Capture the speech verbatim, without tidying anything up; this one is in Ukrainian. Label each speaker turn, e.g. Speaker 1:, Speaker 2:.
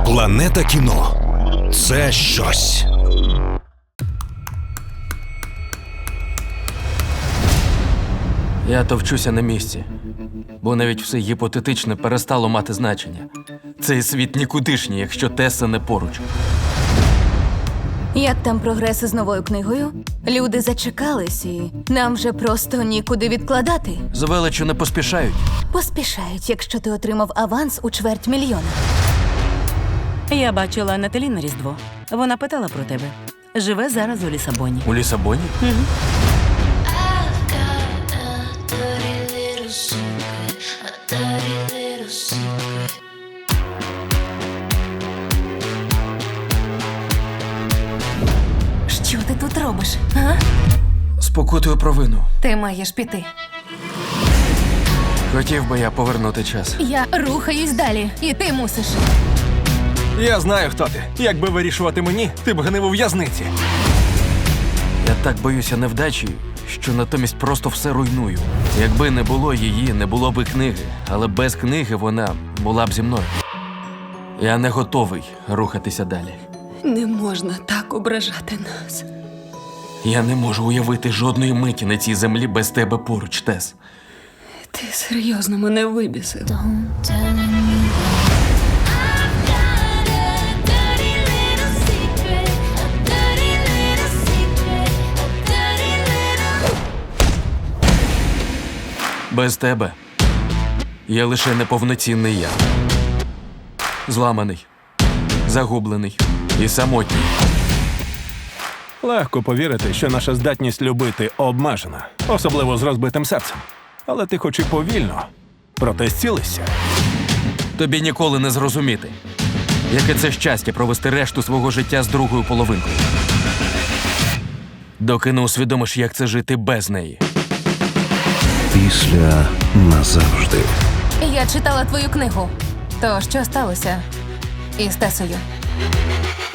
Speaker 1: Планета кіно – це щось.
Speaker 2: Я товчуся на місці, бо навіть все гіпотетичне перестало мати значення. Цей світ нікудишній, якщо Теса не поруч.
Speaker 3: Як там прогрес із новою книгою? Люди зачекались і нам вже просто нікуди відкладати.
Speaker 2: З величчю не поспішають.
Speaker 3: Поспішають, якщо ти отримав аванс у чверть мільйона.
Speaker 4: Я бачила Наталі на Різдво. Вона питала про тебе. Живе зараз у Лісабоні.
Speaker 2: У Лісабоні?
Speaker 3: Що ти тут робиш? А?
Speaker 2: Спокутую провину.
Speaker 3: Ти маєш піти.
Speaker 2: Хотів би я повернути час.
Speaker 3: Я рухаюсь далі, і ти мусиш.
Speaker 5: Я знаю, хто ти. Якби вирішувати мені, ти б гнив у в'язниці.
Speaker 2: Я так боюся невдачі, що натомість просто все руйную. Якби не було її, не було б і книги. Але без книги вона була б зі мною. Я не готовий рухатися далі.
Speaker 4: Не можна так ображати нас.
Speaker 2: Я не можу уявити жодної миті на цій землі без тебе поруч, Тес.
Speaker 4: Ти серйозно мене вибісив.
Speaker 2: Без тебе я лише неповноцінний я. Зламаний, загублений і самотній.
Speaker 5: Легко повірити, що наша здатність любити обмежена, особливо з розбитим серцем. Але ти хоч і повільно, проте зцілишся.
Speaker 2: Тобі ніколи не зрозуміти, яке це щастя провести решту свого життя з другою половинкою. Доки не усвідомиш, як це жити без неї.
Speaker 1: Після назавжди.
Speaker 3: Я читала твою книгу. То що сталося із Тесою?